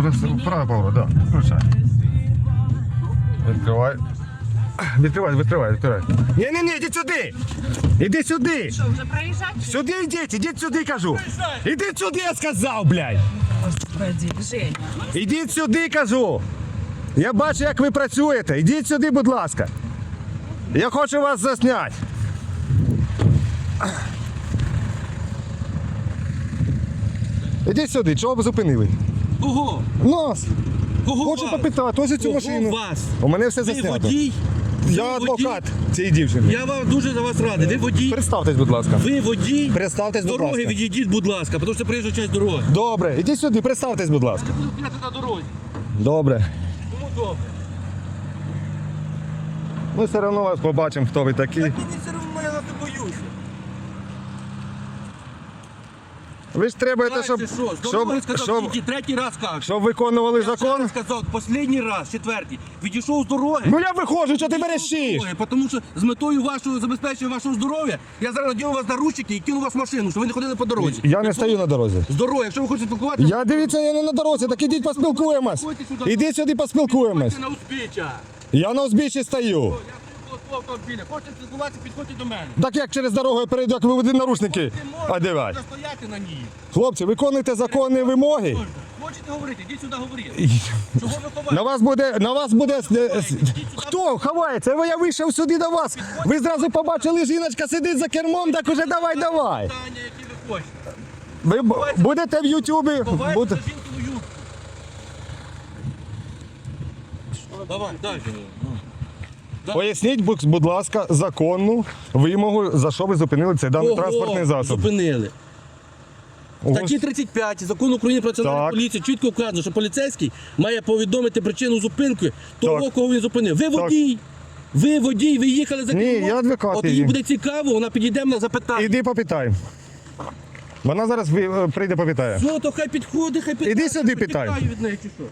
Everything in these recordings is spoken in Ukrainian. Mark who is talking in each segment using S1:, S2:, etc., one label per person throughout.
S1: Право поворот, да. Включай. Відкривай. Відкривай. Ні, йдіть сюди. Іди сюди.
S2: Що, вже проїжджати?
S1: Сюди ідіть сюди, кажу. Ідіть сюди, я сказав, блядь.
S2: Господи, Женя.
S1: Ідіть сюди, кажу. Я бачу, як ви працюєте. Ідіть сюди, будь ласка. Я хочу вас засняти. Ідіть сюди, чого ви зупинили?
S3: Кого?
S1: Нас.
S3: Кого
S1: Хочу
S3: вас?
S1: попитати, ось цю
S3: Кого
S1: машину.
S3: вас?
S1: У мене все
S3: Ви
S1: заснято.
S3: водій?
S1: Я
S3: Ви
S1: адвокат цієї дівчини.
S3: Я вам дуже за вас радий. Ви водій?
S1: Представтесь, будь ласка.
S3: Ви водій?
S1: Представтесь,
S3: З
S1: будь
S3: дороги
S1: ласка.
S3: відійдіть, будь ласка, тому що приїжджа часть дороги.
S1: Добре, ідіть сюди, представтесь, будь ласка.
S3: Я буду стояти на дорозі.
S1: Добре.
S3: Кому добре?
S1: Ми все одно вас побачимо, хто ви такі.
S3: Так мені все одно, я вас не боюся.
S1: Ви ж требуєте,
S3: Дальше
S1: щоб,
S3: що? З дороги сказав,
S1: щоб,
S3: тільки третій раз кажу.
S1: щоб виконували
S3: Я ще
S1: закон.
S3: раз сказав, останній раз, четвертий. Відійшов з дороги.
S1: Ну я виходжу, що ти верещиш?
S3: Тому що з метою вашого забезпечення вашого здоров'я я зараз надіну вас наручники і кину вас в машину, щоб ви не ходили по дорозі.
S1: Я не стою на дорозі.
S3: З дороги, якщо ви хочете спілкуватися,
S1: Я дивіться, я не на дорозі, так ідіть поспілкуємось. Ідіть сюди поспілкуємось.
S3: на узбіччя.
S1: Я на узбіччі стою.
S3: Я свого автомобіля. Хочете спілкуватися, підходьте до мене.
S1: Так як через дорогу я перейду, як ви будете наручники
S3: Ви можете
S1: одягати.
S3: стояти на ній.
S1: Хлопці, виконуйте законні вимоги.
S3: Хочете говорити, йдіть сюди говорити. Чого ви ховаєте?
S1: На вас буде... Хто ховається? Я вийшов сюди до вас. Ви зразу побачили, жіночка сидить за кермом, так уже давай.
S3: Питання, які ви хочете.
S1: Ви будете в Ютубі.
S3: Ховайте
S1: будете-
S3: за жінкину юбку. Давай, далі.
S1: Поясніть, будь ласка, законну вимогу, за що ви зупинили цей даний транспортний засіб.
S3: Зупинили.
S1: Ого.
S3: Статті 35 Закону України про національну
S1: Так.
S3: поліцію чітко вказано, що поліцейський має повідомити причину зупинки того,
S1: Так.
S3: кого він зупинив. Ви водій. Ви водій, ви їхали за
S1: Ні,
S3: кермом.
S1: я адвокат
S3: От їй
S1: її.
S3: буде цікаво, вона підійде мене запитає.
S1: Іди попитай. Вона зараз прийде попитає.
S3: Ну, то хай підходить, хай питає.
S1: Іди сюди, питай.
S3: Питаю від неї, чи що?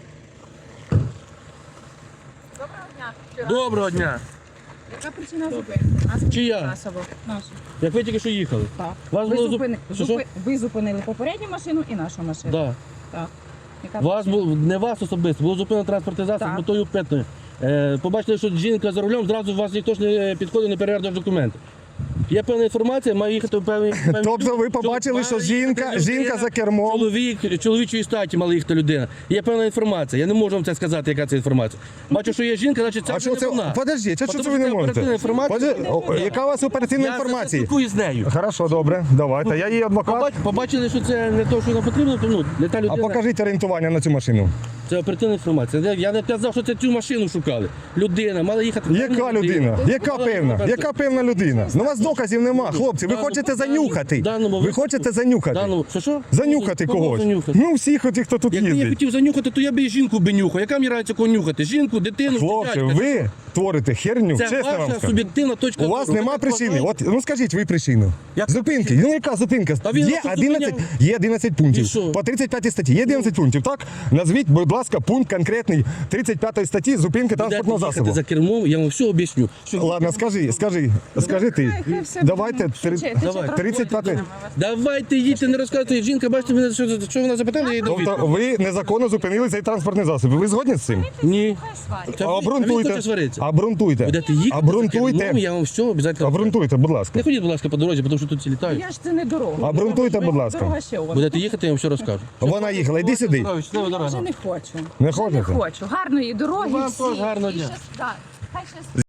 S2: Доброго дня.
S3: Доброго дня.
S2: Яка причина зупинки?
S3: Чия?
S2: Нашу.
S3: Як ви тільки що їхали?
S2: Так.
S3: Вас
S2: Ви,
S3: було
S2: зупини... ви зупинили попередню машину і нашу машину.
S3: Да.
S2: Так. Яка
S3: Вас не вас особисто, було зупинено транспортний засіб
S2: Так.
S3: з метою питної. Побачили, що жінка за рулем, зразу вас ніхто ж не підходить, не перевіряє документи. Є певна інформація, має їхати в певний...
S1: Тобто ви побачили, що жінка за кермом.
S3: Чоловічої статі мала їхати людина. Є певна інформація, я не можу вам це сказати, яка це інформація. Бачу, що є жінка, значить це
S1: А
S3: вже
S1: що
S3: не
S1: це?
S3: вона.
S1: Подожди, що
S3: Тому
S1: це ви не
S3: оперативна
S1: можете?
S3: інформація.
S1: Яка у вас оперативна
S3: Я
S1: інформація?
S3: спілкуюсь з нею.
S1: Хорошо, добре, давайте. Я її адвокат.
S3: Побачили, що це не те, що нам потрібно, то ну, не та
S1: А
S3: людина.
S1: покажіть орієнтування на цю машину.
S3: Це оперативна інформація. Я не казав, що це цю машину шукали. Людина, мала їхати.
S1: Яка людина? Яка
S3: Мала
S1: певна?
S3: їхати.
S1: Яка певна людина? Ну у вас доказів нема, хлопці. Ви хочете занюхати. Ви хочете занюхати.
S3: Що?
S1: Занюхати
S3: Кого
S1: когось.
S3: занюхати?
S1: Ну всіх отих, хто тут
S3: Якби я
S1: їздить.
S3: хотів занюхати, то я б і жінку би нюхав. Яка мені радиться кого нюхати? Жінку, дитину,
S1: Хлопці,
S3: дядька?
S1: ви творите херню,
S3: Це
S1: чесно вам
S3: ваша
S1: скажу.
S3: суб'єктивна точка
S1: У вас
S3: зору.
S1: нема
S3: Ви так
S1: причини.
S3: вважаєте?
S1: От, ну скажіть ви причину.
S3: Яка
S1: Зупинки. Ну яка зупинка?
S3: А він
S1: Є
S3: вас
S1: 11,
S3: зупиняв.
S1: є 11 пунктів.
S3: І що?
S1: По 35 статті є 11 пунктів, так? Назвіть, будь ласка, пункт конкретний 35 статті зупинки транспортного
S3: Будете їхати
S1: засобу.
S3: за кермом, я вам все об'ясню. Що-
S1: Ладно, скажи ти.
S2: Хай все
S1: Давайте
S2: буде. Швидше,
S3: Давай.
S2: трохи
S1: 35.
S2: будемо.
S3: Давайте їдьте, не розказуйте. Жінка, бачите, мене, що вона запитала, я їй дав
S1: Тобто
S3: відповідь.
S1: ви незаконно зупинили цей транспортний засіб. Ви згодні з цим?
S3: Ні.
S2: Хай сварять.
S3: Та він хоче
S1: Обґрунтуйте.
S3: сваритися.
S1: Обґрунтуйте.
S3: Будете їхати за кермом,
S1: Обґрунтуйте.
S3: я вам все обов'язково.
S1: Обґрунтуйте, будь ласка.
S3: Не ходіть, будь ласка, по дорозі, тому що тут всі літають.
S2: Я ж це не дорога.
S1: Обґрунтуйте, будь ласка.
S2: Дорога ще у вас.
S3: Будете їхати, я вам все розкажу.
S1: Вона їхала, йди сюди.
S2: Я вже не хочу.
S1: Не
S2: Вже
S1: хочете?
S2: не хочу. Гарної дороги
S3: Вам
S2: всі.
S3: теж гарного
S2: І
S3: дня.
S2: щас- да. Хай щас